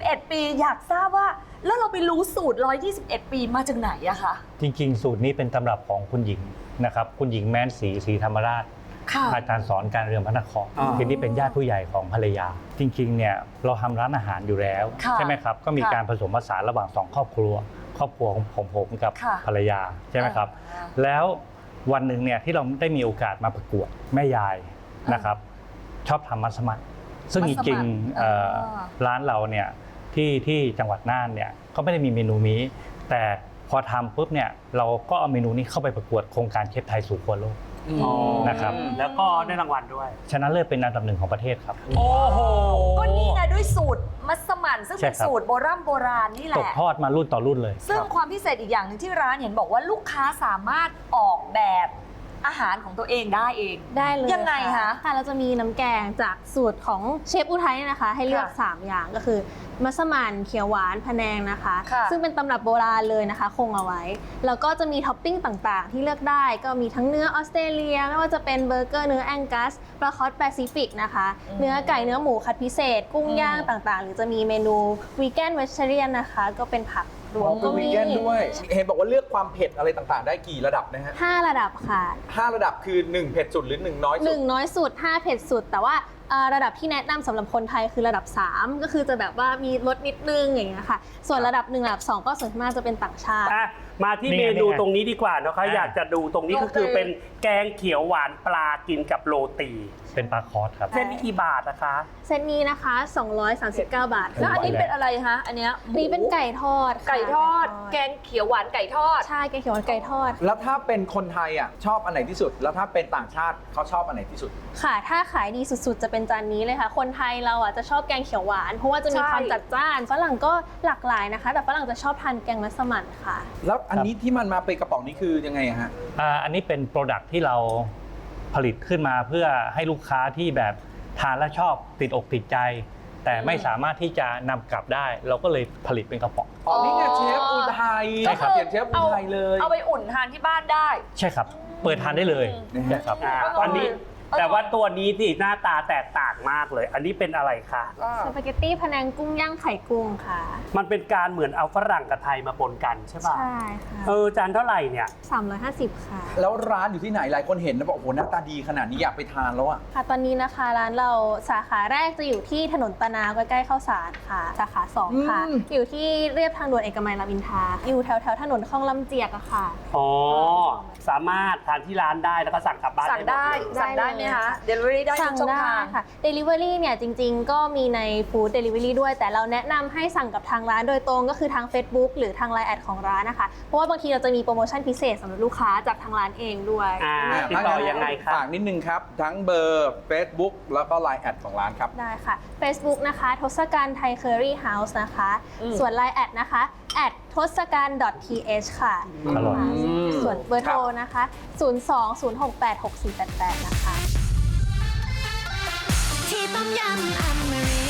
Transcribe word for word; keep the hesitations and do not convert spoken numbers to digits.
เอ็ด ปีอยากทราบว่าแล้วเราไปรู้สูตรหนึ่งร้อยยี่สิบเอ็ด ปีมาจากไหนอะคะจริงๆสูตรนี้เป็นตำรับของคุณหญิงนะครับคุณหญิงแม้นศรีศรีธรรมราชอาจารย์สอนการเรือนพระนครทีนี้เป็นญาติผู้ใหญ่ของภรรยาจริงๆเนี่ยเราทำร้านอาหารอยู่แล้วใช่ไหมครับก็มีการผสมผสานระหว่างสองครอบครัวครอบครัวของผมผมกับภรรยาใช่ไหมครับแล้ววันหนึ่งเนี่ยที่เราได้มีโอกาสมาประกวดแม่ยายนะครับชอบทำมัสมั่นซึ่งจริงๆร้านเราเนี่ยที่ที่จังหวัดน่านเนี่ยก็ไม่ได้มีเมนูนี้แต่พอทำปุ๊บเนี่ยเราก็เอาเมนูนี้เข้าไปประกวดโครงการเชฟไทยสู่ครัวโลกนะครับแล้วก็ได้รางวัลด้วยชนะเลิศเป็นอันดับหนึ่งของประเทศครับโอ้โหก็นี่ไงด้วยสูตรมัสมั่นซึ่งเป็นสูตรโบราณโบราณนี่แหละตกทอดมารุ่นต่อรุ่นเลยซึ่งความพิเศษอีกอย่างหนึ่งที่ร้านเห็นบอกว่าลูกค้าสามารถออกแบบอาหารของตัวเองได้เองได้เลยยังไงคะค่ะเราจะมีน้ำแกงจากสูตรของเชฟอุทัยนะคะให้เลือกสามอย่างก็คือมัสมั่นเขียวหวานพะแนงนะคะซึ่งเป็นตำรับโบราณเลยนะคะคงเอาไว้แล้วก็จะมีท็อปปิ้งต่างๆที่เลือกได้ก็มีทั้งเนื้อออสเตรเลียไม่ว่าจะเป็นเบอร์เกอร์เนื้อแองกัสปลาคอสแปซิฟิกนะคะเนื้อไก่เนื้อหมูคัดพิเศษกุ้งย่างต่างๆหรือจะมีเมนูวีแกนเวจเทเรียนนะคะก็เป็นผักรวมก็มีวีแกนด้วยเห็นบอกว่าเลือกความเผ็ดอะไรต่างๆได้กี่ระดับนะฮะห้าระดับค่ะห้าระดับคือหนึ่งเผ็ดสุดหรือหนึ่งน้อยสุดหนึ่งน้อยสุดห้าเผ็ดสุดแต่ว่าระดับที่แนะนำสำหรับคนไทยคือระดับสามก็คือจะแบบว่ามีรสนิดนึงอย่างเงี้ยค่ะส่วนระดับหนึ่งระดับสองก็ส่วนมากจะเป็นต่างชาติมาที่เมนูตรงนี้ดีกว่านะคะอยากจะดูตรงนี้ก็คือเป็นแกงเขียวหวานปลากินกับโรตีเป็นปลาคอสครับเส้นนี้กี่บาทนะคะเส้นนี้นะคะสองร้อยสามสิบเก้าบาทแล้วอันนี้เป็นอะไรคะอันเนี้ยนี่เป็นไก่ทอดไก่ทอดแกงเขียวหวานไก่ทอดใช่แกงเขียวหวานไก่ทอดแล้วถ้าเป็นคนไทยอ่ะชอบอันไหนที่สุดแล้วถ้าเป็นต่างชาติเขาชอบอันไหนที่สุดค่ะถ้าขายดีสุดๆจะเป็นจานนี้เลยค่ะคนไทยเราอ่ะจะชอบแกงเขียวหวานเพราะว่าจะมีความจัดจ้านฝรั่งก็หลากหลายนะคะแต่ฝรั่งจะชอบทานแกงมัสมั่นค่ะแล้วอันนี้ที่มันมาเป็นกระป๋องนี้คือยังไงฮะอ่าอันนี้เป็นโปรดักที่เราผลิตขึ้นมาเพื่อให้ลูกค้าที่แบบทานแล้วชอบติดอกติดใจแต่ไม่สามารถที่จะนำกลับได้เราก็เลยผลิตเป็นกระป๋องอ๋อนี่ไงเชฟอุทัยใช่ครับเขียนเชฟอุทัยเลยเอาไปอุ่นทานที่บ้านได้ใช่ครับเปิดทานได้เลยนะครับอันนี้แต่ว่าตัวนี้ที่หน้าตาแตกต่างมากเลยอันนี้เป็นอะไรคะสปาเกตตี้พะแนงกุ้งย่างไข่กุ้งค่ะมันเป็นการเหมือนเอาฝรั่งกับไทยมาปนกันใช่ป่ะใช่ค่ะเออจานเท่าไหร่เนี่ยสามร้อยห้าสิบค่ะแล้วร้านอยู่ที่ไหนหลายคนเห็นแล้วบอกโอ้โหหน้าตาดีขนาดนี้อยากไปทานแล้วอ่ะค่ะตอนนี้นะคะร้านเราสาขาแรกจะอยู่ที่ถนนตะนาวใกล้ๆข้าวสารค่ะสาขาสองค่ะอยู่ที่เรียบทางด่วนเอกมัยรามอินทราอยู่แถวๆถนนคลองลำเจียกอะค่ะอ๋อสามารถทานที่ร้านได้แล้วก็สั่งกลับบ้านสั่งได้สั่งได้ไหมคะ Delivery ได้ทุกช่องทางค่ะ Delivery เนี่ยจริงๆก็มีใน Food Delivery ด้วยแต่เราแนะนำให้สั่งกับทางร้านโดยตรงก็คือทาง Facebook หรือทาง ไลน์ แอดของร้านนะคะเพราะว่าบางทีเราจะมีโปรโมชั่นพิเศษสำหรับลูกค้าจากทางร้านเองด้วยติดต่อยังไงครับฝากนิดนึงครับทั้งเบอร์ Facebook แล้วก็ ไลน์ แอดของร้านครับได้ค่ะ Facebook นะคะทศกัณฐ์ไทยเคอรี่เฮาส์นะคะส่วน ไลน์ แอดนะคะแอดทศกัณฐ์ .th ค่ะส่วนเบอร์โทรนะคะศูนย์ สอง ศูนย์ หก แปด หก สี่ แปด แปดนะคะที่ต้มยำอมริ